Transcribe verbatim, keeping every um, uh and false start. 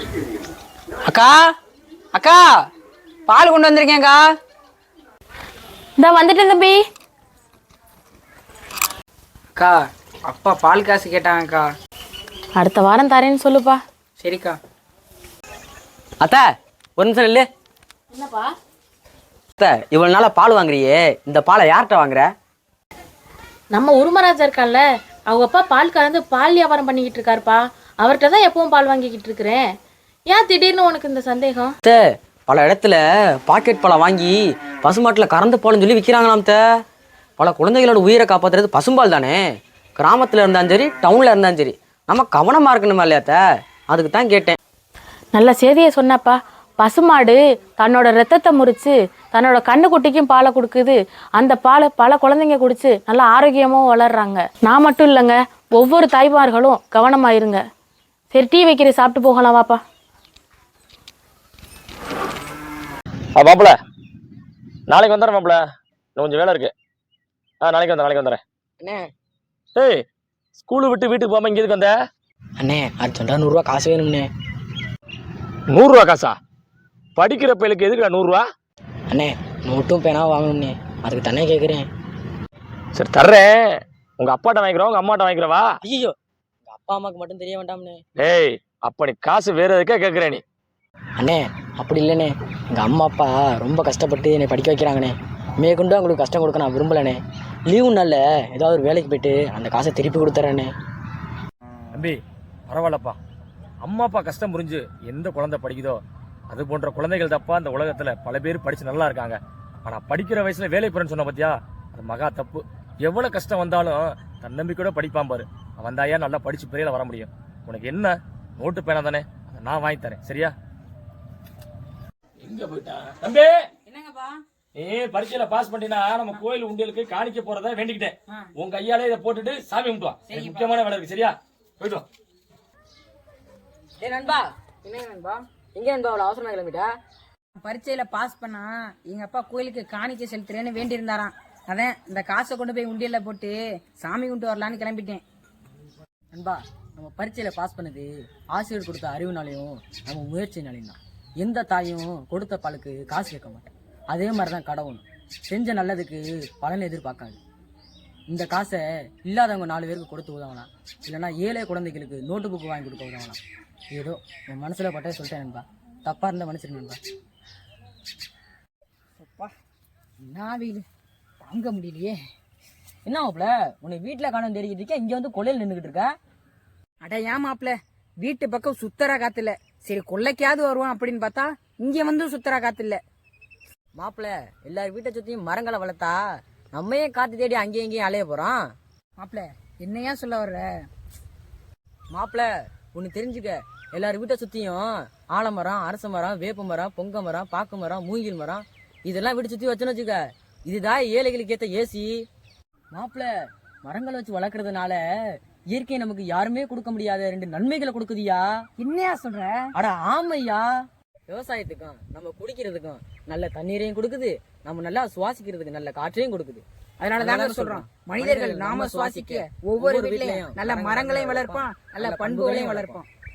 அக்கா அக்கா பால் கொண்டு வந்திருக்கேன்க்கா. இந்த வந்துட்டேன் தம்பி. அக்கா அப்பா பால் காசு கேட்டாங்கக்கா. அடுத்த வாரம் தரேன்னு சொல்லுப்பா. சரிக்கா. அத்தை ஒரு நிமிஷம் இல்லை. என்னப்பா அத்தை இவ்வளவு நாளா பால் வாங்குறியே, இந்த பாலை யார்கிட்ட வாங்குற? நம்ம உருமராஜா இருக்கான்ல, அவங்க அப்பா பால் கலந்து பால் வியாபாரம் பண்ணிக்கிட்டு இருக்காருப்பா. அவர்கிட்ட தான் எப்பவும் பால் வாங்கிக்கிட்டு இருக்கிறேன். ஏன் திடீர்னு உனக்கு இந்த சந்தேகம்? அத்தை பல இடத்துல பாக்கெட் பாலை வாங்கி பசுமாட்டில் கறந்து பால்னு சொல்லி விற்கிறாங்களாம். அத்தை பல குழந்தைகளோட உயிரை காப்பாற்றுறது பசும்பால் தானே. கிராமத்தில் இருந்தாலும் சரி டவுனில் இருந்தாலும் சரி நம்ம கவனமாக இருக்கணுமா இல்லையா அத்தை? அதுக்கு தான் கேட்டேன். நல்ல செய்தியை சொன்னப்பா. பசுமாடு தன்னோட ரத்தத்தை முறிச்சு தன்னோட கண்ணுக்குட்டிக்கும் பாலை கொடுக்குது. அந்த பாலை பல குழந்தைங்க குடிச்சு நல்லா ஆரோக்கியமாகவும் வளர்றாங்க. நான் மட்டும் இல்லைங்க, ஒவ்வொரு தாய்மார்களும் கவனமாயிருங்க. சரி டீ வைக்கிற சாப்பிட்டு போகலாம் வாப்பா. மாப்பிள்ள நாளைக்கு வந்துடுறேன் மாப்பிள்ள, இன்னும் கொஞ்சம் வேலை இருக்கு. ஆ நாளைக்கு வந்தேன் நாளைக்கு வந்துடுறேன். அண்ணே ஏய் ஸ்கூலு விட்டு வீட்டுக்கு போகாம இங்கே இருக்கு வந்த? அண்ணே அர்ஜென்ட்டாக நூறுரூவா காசு வேணும்ண்ணே. நூறுரூவா காசா? படிக்கிற பையலுக்கு எதுக்குடா நூறுரூவா? அண்ணே நோட்டும் பேனாவும் வாங்கணும்ண்ணே, அதுக்கு தானே கேட்குறேன். சரி தர்றேன். உங்க அப்பாட்ட வாங்கிக்கிறோம் உங்க அம்மாட்ட வாங்கிக்கிறவா? ஐயோ எங்கள் அப்பா அம்மாவுக்கு மட்டும் தெரிய வேண்டாம்ண்ணே. ஏய் அப்ப நீ காசு வேற எதுக்கா கேட்குறேன் நீ? அண்ணே அப்படி இல்லைண்ணே, எங்கள் அம்மா அப்பா ரொம்ப கஷ்டப்பட்டு என்னை படிக்க வைக்கிறாங்கண்ணே. மேற்கொண்டு அவங்களுக்கு கஷ்டம் கொடுக்க நான் விரும்பலண்ணே. லீவு நாளில் ஏதாவது ஒரு வேலைக்கு போயிட்டு அந்த காசை திருப்பி கொடுத்துட்றேண்ணே. தம்பி பரவாயில்லப்பா, அம்மா அப்பா கஷ்டம் புரிஞ்சு எந்த குழந்தை படிக்குதோ அது போன்ற குழந்தைகள் தப்பா அந்த உலகத்துல பல பேர் படிச்சு நல்லா இருக்காங்க. ஆனா படிக்கிற வயசுல வேலை போறேன்னு சொன்ன பத்தியா, அது மகா தப்பு. எவ்வளவு கஷ்டம் வந்தாலும் தன்னம்பிக்கையோட படிப்பான் பாரு, அவன் தாயா நல்லா படிச்சு பெரியல வர முடியும். உனக்கு என்ன நோட்டு பேனா தானே, அதை நான் வாங்கி தரேன் சரியா? எங்க போயிட்டான் தம்பி? என்னங்கப்பா? நீ பரீட்சையில பாஸ் பண்ணினா நம்ம கோயில் உண்டியலுக்கு காணிக்க போறதா வேண்டிக்கிட்டேன். உன் கையாலே இதை போட்டுட்டு சாமி கும்பிட்டு வா. முக்கியமான வேலை இருக்கு சரியா? போயிட்டு வா. ஏ நண்பா, என்ன நண்பா எங்கே நண்பா அவ்வளோ அவசரமா கிளம்பிட்டா? பரீட்சையில பாஸ் பண்ணா எங்க அப்பா கோயிலுக்கு காணிக்கை செலுத்துறேன்னு வேண்டி இருந்தாராம். அதான் இந்த காசை கொண்டு போய் உண்டியல்ல போட்டு சாமி கும்பிட்டு வரலான்னு கிளம்பிட்டேன். நண்பா நம்ம பரீட்சையில் பாஸ் பண்ணது ஆசிரியர் கொடுத்த அறிவுனாலையும் நம்ம முயற்சினாலையும் தான். எந்த தாயும் கொடுத்த பாலுக்கு காசு கேட்க மாட்டேன். அதே மாதிரி தான் கடவுள் செஞ்ச நல்லதுக்கு பலன் எதிர்பார்க்காது. இந்த காசை இல்லாதவங்க நாலு பேருக்கு கொடுத்து உதவலாம், இல்லைன்னா ஏழை குழந்தைகளுக்கு நோட்டு புக்கு வாங்கி கொடுக்க உதவலாம். ஏதோ என் மனசில் பட்டே சொல்லிட்டேன் நண்பா, தப்பாக இருந்தால் மன்னிச்சிருங்க நண்பா. அப்பா என்ன வெயில் தாங்க முடியலையே. என்ன மாப்பிள்ள உன்னை வீட்டில் காணும் தெரிஞ்சுட்டு இருக்கேன், இங்கே வந்து கொள்ளையில் நின்றுக்கிட்டு இருக்க? அட ஏன் மாப்பிள்ள, வீட்டு பக்கம் சுத்தரா காத்துல, சரி கொள்ளைக்காவது வருவான் அப்படின்னு பார்த்தா இங்க வந்து சுத்தரா காத்துல. மாப்பிள்ள எல்லார் வீட்டை சுற்றியும் மரங்களை வளர்த்தா நம்ம ஏன் காற்று தேடி அங்கேயும் இங்கேயும் அலைய போகிறோம்? மாப்பிள்ள என்னையா சொல்ல வர்ற? மாப்பிள்ள ஒன்று தெரிஞ்சுக்க, எல்லார் வீட்டை சுற்றியும் ஆலமரம், அரச மரம், வேப்ப மரம், பொங்க மரம், பாக்கு மரம், மூங்கில் மரம் இதெல்லாம் வீட்டை சுற்றி வச்சுன்னு வச்சுக்க. இதுதான் ஏழைகளுக்கு ஏற்ற ஏசி. மாப்பிள்ள மரங்களை வச்சு வளர்க்கறதுனால இயற்கை நமக்கு யாருமே கொடுக்க முடியாத ரெண்டு நன்மைகளை கொடுக்குதியா. என்னையா சொல்ற? அட ஆமையா, விவசாயத்துக்கும் நம்ம குடிக்கிறதுக்கும் நல்ல தண்ணீரையும் கொடுக்குது, நம்ம நல்லா சுவாசிக்கிறதுக்கு நல்ல காற்றையும் கொடுக்குது. அதனாலதாங்க சொல்றோம், மனிதர்கள் நாம சுவாசிக்க ஒவ்வொரு வீட்லயும் நல்ல மரங்களையும் வளர்ப்போம், நல்ல பண்புகளையும் வளர்ப்போம்.